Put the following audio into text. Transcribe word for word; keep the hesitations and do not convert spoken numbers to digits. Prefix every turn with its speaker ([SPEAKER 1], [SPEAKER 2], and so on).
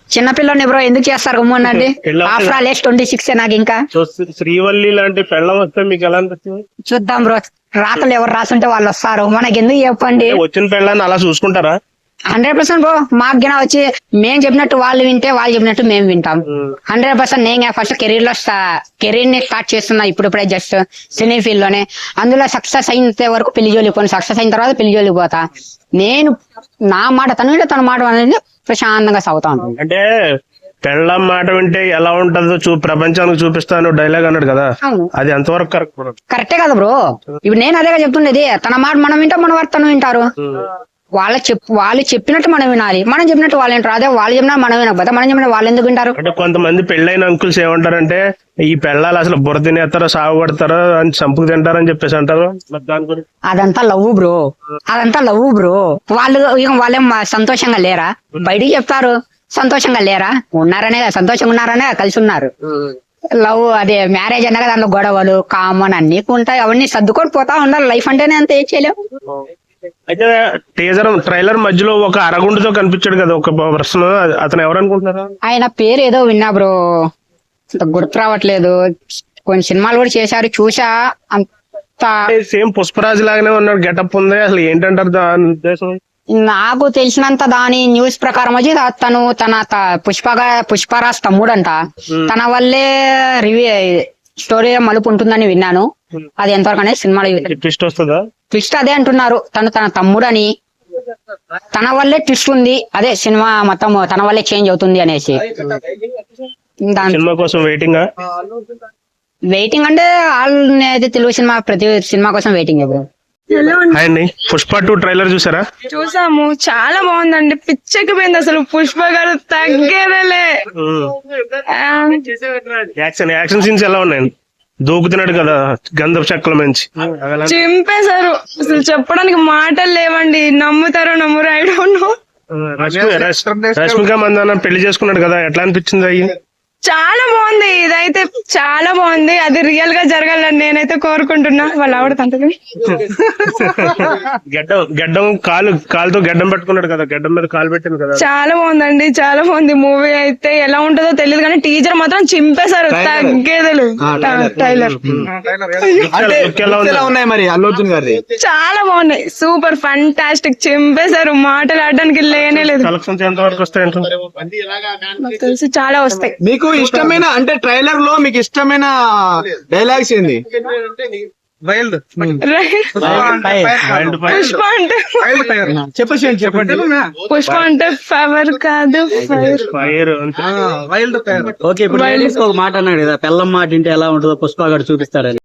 [SPEAKER 1] చిన్నపిల్లని బ్రో ఎందుకు చేస్తారు గమ్మునండి? After all age twenty six నాకు ఇంకా.
[SPEAKER 2] శ్రీవల్లి లాంటి పెళ్ళం వస్తే మీకు ఎలా అనిపిస్తుంది?
[SPEAKER 1] చూద్దాం బ్రో, రాతలు ఎవరు రాసుంటే వాళ్ళు వస్తారు, మనకి ఎందుకు చెప్పండి.
[SPEAKER 2] వచ్చిన పెళ్ళాన్ని అలా చూసుకుంటారా?
[SPEAKER 1] Hundred percent bro. మాకు గిన వచ్చి మేము చెప్పినట్టు వాళ్ళు వింటే, వాళ్ళు చెప్పినట్టు మేము వింటాం. Hundred percent. నేను ఫస్ట్ కెరీర్ లో కెరీర్ ని స్టార్ట్ చేస్తున్నా ఇప్పుడిప్పుడే, జస్ట్ సినీ ఫీల్డ్ లోనే. అందులో సక్సెస్ అయిన వరకు పెళ్లి జోలికి పోను, సక్సెస్ అయిన తర్వాత పెళ్లి జోలికి పోతా. నేను నా మాట తను వింటే తన మాట అనేది ప్రశాంతంగా సాగుతా ఉంటాను.
[SPEAKER 2] అంటే పెళ్ళం మాట వింటే ఎలా ఉంటుందో చూ ప్రపంచానికి చూపిస్తాను డైలాగ్ అన్నాడు కదా, అది ఎంతవరకు కరెక్ట్?
[SPEAKER 1] కరెక్టే కదా బ్రో. ఇప్పుడు నేను అదేగా చెప్తుండేది, తన మాట మనం వింటాం, మన వారు తను వింటారు. వాళ్ళ చెప్పు వాళ్ళు చెప్పినట్టు మనం వినాలి, మనం చెప్పినట్టు వాళ్ళు వింటారు. అదే వాళ్ళు చెప్పినా మనం వినకపోతే మనం చెప్పిన వాళ్ళు ఎందుకు వింటారు?
[SPEAKER 2] అంటే కొంతమంది పెళ్ళైన అంకుల్స్ ఏమంటారంటే, ఈ పెళ్ళాలు అసలు బుర్ర తినేస్తారో సాగు పడతారో అని చంపుకు తింటారని చెప్పేసి అంటారు. దాని గురించి
[SPEAKER 1] అదంతా లవ్ బ్రో, అదంతా లవ్ బ్రో. వాళ్ళు వాళ్ళేం సంతోషంగా లేరా? బయటికి చెప్తారు సంతోషంగా లేరా? ఉన్నారనే కదా, సంతోషంగా ఉన్నారనే కలిసి ఉన్నారు. లవ్ అదే మ్యారేజ్ అన్నా కదా, దాంట్లో గొడవలు కామన్ అన్ని ఉంటాయి, అవన్నీ సర్దుకొని పోతా ఉండాలి. లైఫ్ అంటేనే అంత ఏం చేయలేము.
[SPEAKER 2] అయితే టీజర్ ట్రైలర్ మధ్యలో ఒక అరగుండుతో కనిపించాడు కదా ఒక పర్సన్, అతను ఎవరు అనుకుంటున్నారా?
[SPEAKER 1] ఆయన పేరు ఏదో విన్నా బ్రో, గుర్తు రావట్లేదు. కొన్ని సినిమాలు కూడా చేశారు, చూసా. అంత
[SPEAKER 2] సేమ్ పుష్పరాజ్ లాగానే ఉన్నాడు, గెటప్ ఉంది. అసలు ఏంటంటారు దాని ఉద్దేశం?
[SPEAKER 1] నాకు తెలిసినంత దాని న్యూస్ ప్రకారం వచ్చి తను తన పుష్పగా పుష్పరాజ్ తమ్ముడు అంట. తన వల్లే రివ్యూ స్టోరీ మలుపు ఉంటుందని విన్నాను. అది ఎంతవరకు అనేది సినిమాలో
[SPEAKER 2] ట్విస్ట్ వస్తుందా?
[SPEAKER 1] ట్విస్ట్ అదే అంటున్నారు, తను తన తమ్ముడు అని, తన వల్లే ట్విస్ట్ ఉంది. అదే సినిమా మొత్తం తన వల్లే చేంజ్ అవుతుంది అనేసి.
[SPEAKER 2] సినిమా కోసం వెయిటింగ్
[SPEAKER 1] వెయిటింగ్ అంటే ఆల్ అయితే తెలుగు సినిమా ప్రతి సినిమా కోసం వెయిటింగ్. బ్రో
[SPEAKER 2] అండి, పుష్ప టూ ట్రైలర్ చూసారా?
[SPEAKER 3] చూసాము, చాలా బాగుందండి. పిచ్చకి పోయింది అసలు. పుష్ప గారు తగ్గేదలే.
[SPEAKER 2] యాక్షన్ యాక్షన్ సీన్స్ ఎలా ఉన్నాయండి? దూకుతున్నాడు కదా గంధపు చెక్కల మంచి,
[SPEAKER 3] చింపేశారు. అసలు చెప్పడానికి మాటలు లేవండి. నమ్ముతారో నమ్మురు, I don't know.
[SPEAKER 2] Rashmika Mandanna పెళ్లి చేసుకున్నాడు కదా, ఎట్లా అనిపించింది? అయ్యి
[SPEAKER 3] చాలా బాగుంది. ఇదైతే చాలా బాగుంది. అది రియల్ గా జరగాలని నేనైతే కోరుకుంటున్నా. వాళ్ళ ఆవిడ తంతది
[SPEAKER 2] గడ్డం గడ్డం కాలు కాలుతో గడ్డం పెట్టుకున్నాడు కదా, గడ్డం మీద కాలు పెట్టింది కదా.
[SPEAKER 3] చాలా బాగుందండి, చాలా బాగుంది. మూవీ అయితే ఎలా ఉంటుందో తెలియదు కానీ టీజర్ మాత్రం చింపేశారు. తగ్గేదలు టైలర్ చాలా బాగున్నాయి. Super fantastic. చింపేశారు. మాటలు ఆడడానికి లేనే లేదు.
[SPEAKER 2] కలెక్షన్స్ ఎంత వరకు వస్తాయి?
[SPEAKER 3] నాకు తెలిసి చాలా వస్తాయి.
[SPEAKER 4] మీకు ఇష్టమైన అంటే ట్రైలర్ లో మీకు ఇష్టమైన డైలాగ్స్ ఏంది?
[SPEAKER 3] పుష్ప అంటే
[SPEAKER 4] చెప్పండి.
[SPEAKER 3] పుష్ప అంటే ఫైర్ కాదు, ఫైర్.
[SPEAKER 5] ఓకే, ఇప్పుడు ఒక మాట అన్నాడు కదా, పెళ్ళం మాట ఇంటే ఎలా ఉంటుందో పుష్ప గారు చూపిస్తాడని.